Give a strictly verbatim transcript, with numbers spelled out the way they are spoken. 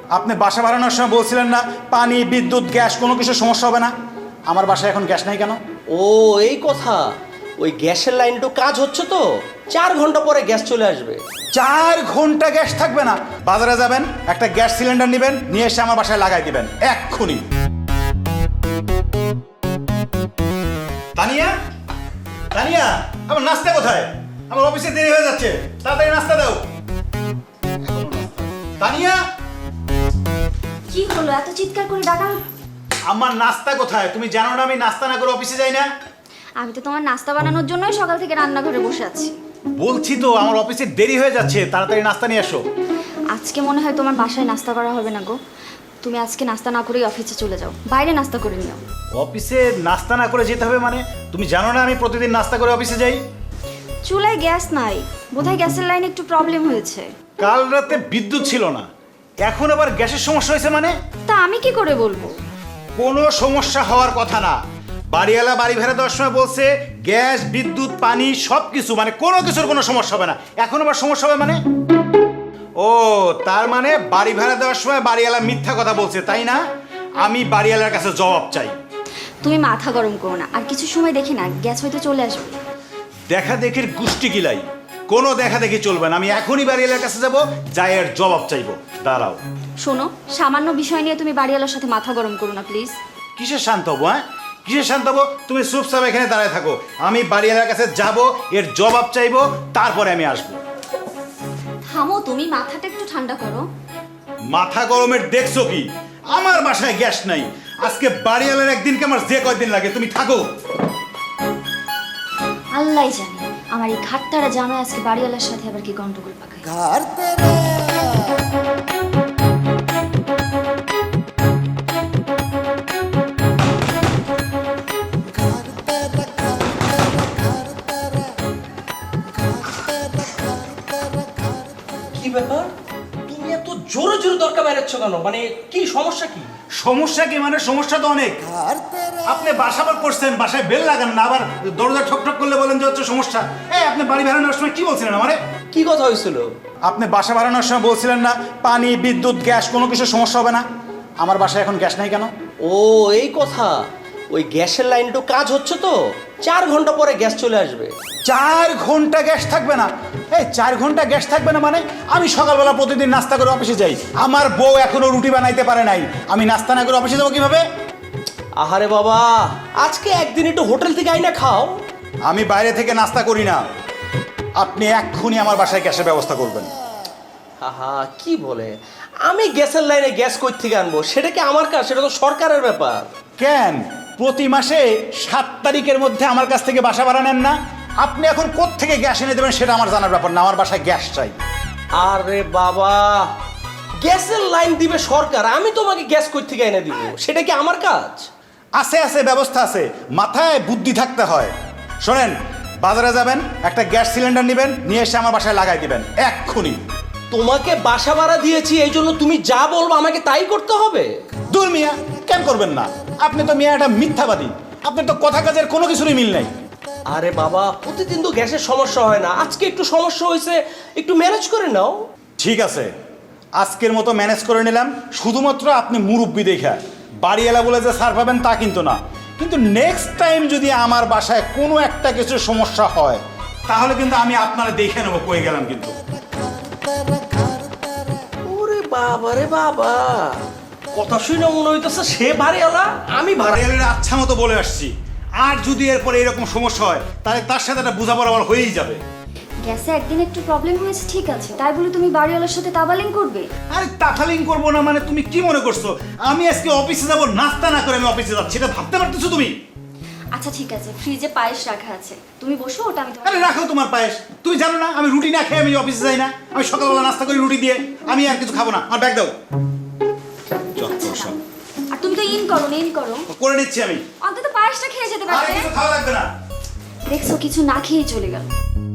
আপনি বাসা বাড়ানোর সময় বলছিলেন না পানি বিদ্যুৎ গ্যাস কোনো কিছু সমস্যা হবে না। আমার বাসায় এখন গ্যাস নাই কেন? ও এই কথা, ওই গ্যাসের লাইনটা কাজ হচ্ছে তো, চার ঘন্টা পরে গ্যাস চলে আসবে। চার ঘন্টা গ্যাস থাকবে না? বাজারে যাবেন, একটা গ্যাস সিলিন্ডার নেবেন, নিয়ে এসে আমার বাসায় লাগাই দিবেন এক্ষুনি। তানিয়া, তানিয়া, আমার নাস্তা কোথায়? আমার অফিসে দেরি হয়ে যাচ্ছে, তাড়াতাড়ি নাস্তা দাও। তানিয়া, কি হলো এত চিৎকার করে ডাকা? আমার নাস্তা কোথায়? তুমি জানো না আমি নাস্তা না করে অফিসে যাই না? আমি তো তোমার নাস্তা বানানোর জন্যই সকাল থেকে রান্নাঘরে বসে আছি। বলছি তো আমার অফিসে দেরি হয়ে যাচ্ছে, তাড়াতাড়ি নাস্তা নিয়ে এসো। আজকে মনে হয় তোমার বাসায় নাস্তা করা হবে না গো। তুমি আজকে নাস্তা না করেই অফিসে চলে যাও, বাইরে নাস্তা করে নিও। অফিসে নাস্তা না করে যেতে হবে মানে? তুমি জানো না আমি প্রতিদিন নাস্তা করে অফিসে যাই? চুলায় গ্যাস নাই, বোধহয় গ্যাসের লাইনে একটু প্রবলেম হয়েছে। কাল রাতে বিদ্যুৎ ছিল না, এখন আবার গ্যাসের সমস্যা হয়েছে মানে? তা আমি কি করে বলবো? কোনো সমস্যা হওয়ার কথা না। বাড়িওয়ালা বাড়ি ভাড়া দেওয়ার সময় বলছে গ্যাস বিদ্যুৎ পানি সব কিছু, মানে কোনো কিছুর কোনো সমস্যা হবে না। এখন আবার সমস্যা হবে মানে? ও তার মানে বাড়ি ভাড়া দেওয়ার সময় বাড়িওয়ালা মিথ্যা কথা বলছে, তাই না? আমি বাড়িওয়ালার কাছে জবাব চাই। তুমি মাথা গরম করো না, আর কিছু সময় দেখি না গ্যাস হয়তো চলে আসবে। দেখা দেখির গুষ্টি গিলাই, কোনো দেখা দেখি চলবে না। আমি এখনই বাড়িওয়ালার কাছে যাব, যাই এর জবাব চাইবো। দাঁড়াও। শোনো, সামান্য বিষয় নিয়ে তুমি বাড়িওয়ালার সাথে মাথা গরম করো না প্লিজ। কিসের শান্ত হবো? হ্যাঁ কিসের শান্ত হবো? তুমি চুপচাপ এখানে দাঁড়ায় থাকো, আমি বাড়িওয়ালার কাছে যাব, এর জবাব চাইবো, তারপরে আমি আসবো। থামো, তুমি মাথাটা একটু ঠান্ডা করো। মাথা গরমের দেখছো কি? আমার বাসায় গ্যাস নাই, আজকে বাড়িওয়ালার একদিনকে আমার যে কয়দিন লাগে। তুমি থাকো। আল্লাহ জানে আমার এই ঘাটতারা জামাই আজকে বাড়িওয়ালার সাথে আবার কি গন্ডগোল পাকায়। কি ব্যাপার, তুমি এত জোরে জোরে দরকার বেরোচ্ছ কেন? মানে কি সমস্যা? কি সমস্যা কি মানে? সমস্যা তো অনেক। আপনি বাসা বার করছেন, বাসায় বেল লাগান না, আবার দরজা ঠক ঠক করলে বলেন যে হচ্ছে সমস্যা। এই আপনি বাড়ি ভাড়ানোর সময় কি বলছিলেন আমারে? কি কথা হয়েছিল? আপনি বাসা ভাড়ানোর সময় বলছিলেন না পানি বিদ্যুৎ গ্যাস কোনো কিছু সমস্যা হবে না। আমার বাসায় এখন গ্যাস নাই কেন? ও এই কথা, ওই গ্যাসের লাইনটা কাজ হচ্ছে তো, চার ঘন্টা পরে গ্যাস চলে আসবে। চার ঘন্টা গ্যাস থাকবে না? এই চার ঘন্টা গ্যাস থাকবে না মানে? আমি সকালবেলা প্রতিদিন নাস্তা করে অফিসে যাই, আমার বউ এখনো রুটি বানাইতে পারে নাই, আমি নাস্তা না করে অফিসে যাবো কিভাবে? আহারে বাবা, আজকে একদিন একটু হোটেল থেকে আইনা খাও। আমি বাইরে থেকে নাস্তা করি না, আপনি এক্ষুনি আমার বাসায় গ্যাসের ব্যবস্থা করবেন। আহা কি বলে, আমি গ্যাসের লাইনে গ্যাস কই থেকে আনবো? সেটা কি আমার কাজ? সেটা তো সরকারের ব্যাপার। কেন প্রতি মাসে সাত তারিখের মধ্যে আমার কাছ থেকে বাসা ভাড়া নেন না? আপনি এখন কোত্থেকে গ্যাস এনে দেবেন সেটা আমার জানার ব্যাপার না, আমার বাসায় গ্যাস চাই। আরে বাবা, গ্যাসের লাইন দিবে সরকার, আমি তোমাকে গ্যাস কই থেকে এনে দিব? সেটা কি আমার কাজ? আছে আছে ব্যবস্থা আছে, মাথায় বুদ্ধি থাকতে হয়। শোনেন, বাজারে যাবেন, একটা গ্যাস সিলিন্ডার নেবেন, নিয়ে এসে আমার বাসায় লাগাই দিবেন এক্ষুনি। তোমাকে বাসা ভাড়া দিয়েছি, এই জন্য তুমি যা বলবো আমাকে তাই করতে হবে? দূর মিয়া, কেন করবেন না? আপনি তো মিয়া একটা মিথ্যাবাদী, আপনার তো কথা কাজের কোনো কিছুরই মিল নাই। আরে বাবা, প্রতিদিন তো গ্যাসের সমস্যা হয় না, আজকে একটু সমস্যা হয়েছে, একটু ম্যানেজ করে নাও। ঠিক আছে, আজকের মতো ম্যানেজ করে নিলাম, শুধুমাত্র আপনি মুরব্বি দেখা। বাড়িওয়ালা বলে যে সার পাবেন তা কিন্তু না। কিন্তু নেক্সট টাইম যদি আমার বাসায় কোনো একটা কিছু সমস্যা হয়, তাহলে কিন্তু আমি আপনারা দেখে নেবো কয়ে গেলাম কিন্তু। ওরে বাবা রে বাবা, কথা শুনে মনে হইতেছে সে বাড়িওয়ালা, আমি ভাড়া। বাড়িওয়ালার আচ্ছা মতো বলে আসছি, আর যদি এরপরে এরকম সমস্যা হয় তাহলে তার সাথে একটা বোঝাপড়া আমার হয়েই যাবে। গ্যাসে একদিন একটু প্রবলেম হয়েছে ঠিক আছে, তাই বলে তুমি বাড়িওয়ালার সাথে তাবালিং করবে? আরে তাফালিং করবো না মানে? তুমি কি মনে করছো আমি আজকে অফিসে যাবো নাস্তা না করে আমি অফিসে যাচ্ছি? এটা ভাবতে পারতেছো তুমি? আচ্ছা ঠিক আছে, ফ্রিজে পায়েস রাখা আছে, তুমি বসো, ওটা আমি তোমার। আরে রাখো তোমার পায়েস। তুমি জানো না আমি রুটি না খেয়ে আমি অফিসে যাই না? আমি সকালবেলা নাস্তা করি রুটি দিয়ে, আমি আর কিছু খাবো না। আমার ব্যাগ দাও। যত সব। আর তুমি তো ইন করো না, ইন করো। করে নিচ্ছি আমি। অন্তত পায়েসটা খেয়ে যেতে আর পারবে। কিছু খাওয়া লাগবে না। দেখছো, কিছু না খেয়েই চলে গেল।